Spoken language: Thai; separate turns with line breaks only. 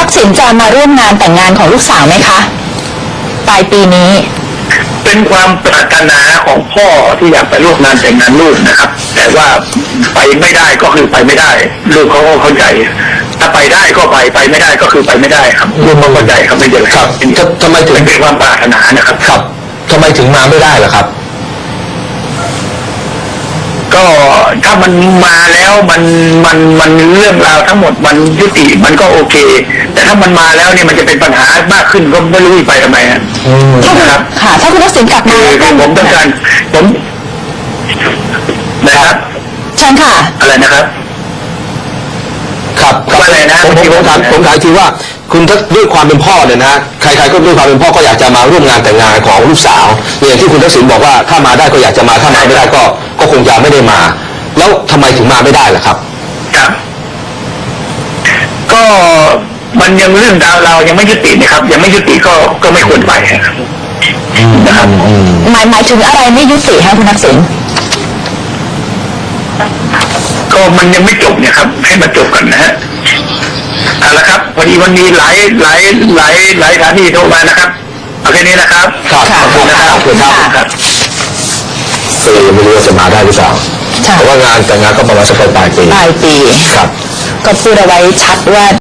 กษิณจะมาร่วมงานแต่งงานของลูกสาวไหมคะปลายปีนี้
เป็นความปรารถนาของพ่อที่อยากไปร่วมงานแต่งงานลูกนะครับ แต่ว่าไปไม่ได้ก็คือไปไม่ได้ลูกเขาก็เข้าใจถ้าไปได้ก็ไปไม่ได้ก็คือไปไม่ได้ครับลูกเขาเข้าใจครับไม่เป็นไรครับ
ทำไมถึง
เป็นความปรารถนานะครับ
ครับทำไมถึงมาไม่ได้ล่ะครับ
ก็ถ้ามันมาแล้วมันเรื่องราวทั้งหมดมันยุติมันก็โอเคแต่ถ้ามันมาแล้วเนี่ยมันจะเป็นปัญหามากขึ้นก็ไม่รู้ไปทำไม
นะครับค่ะถ้าคุณทักษิณกลับมา
ผมต้องการผมนะครับ
เชิญค่ะ
อะไรนะครับ
ครับ
อะไรนะ
ผมถามทีว่าคุณด้วยความเป็นพ่อเนี่ยนะใครๆก็ด้วยความเป็นพ่อก็อยากจะมาร่วมงานแต่งงานของลูกสาวอย่างที่คุณทักษิณบอกว่าถ้ามาได้ก็อยากจะมาถ้ามาไม่ได้ก็คงจะไม่ได้มาแล้วทำไมถึงมาไม่ได้ล่ะครับ
ครับก็มันยังเรื่องดาวเรายังไม่ยุตินะครับยังไม่ยุติก็ไม่ควรไปนะครับ
หมายถึงอะไรไม่ยุติคะคุณทักษิณ
ก็มันยังไม่จบเนี่ยครับให้มันจบกันนะฮะเอาละครับพอดีวันนี้หลายสถานีโทรมานะครับเอาแค่นี้นะครับ
ขอบคุณนะครับครับก็เลยไม่รู้ว่าจะมาได้หรือเปล่าเพราะว่างานแต่งงานก็ประมาณสักปลายปี
ครับก็พูดเอาไว้ชัดว่า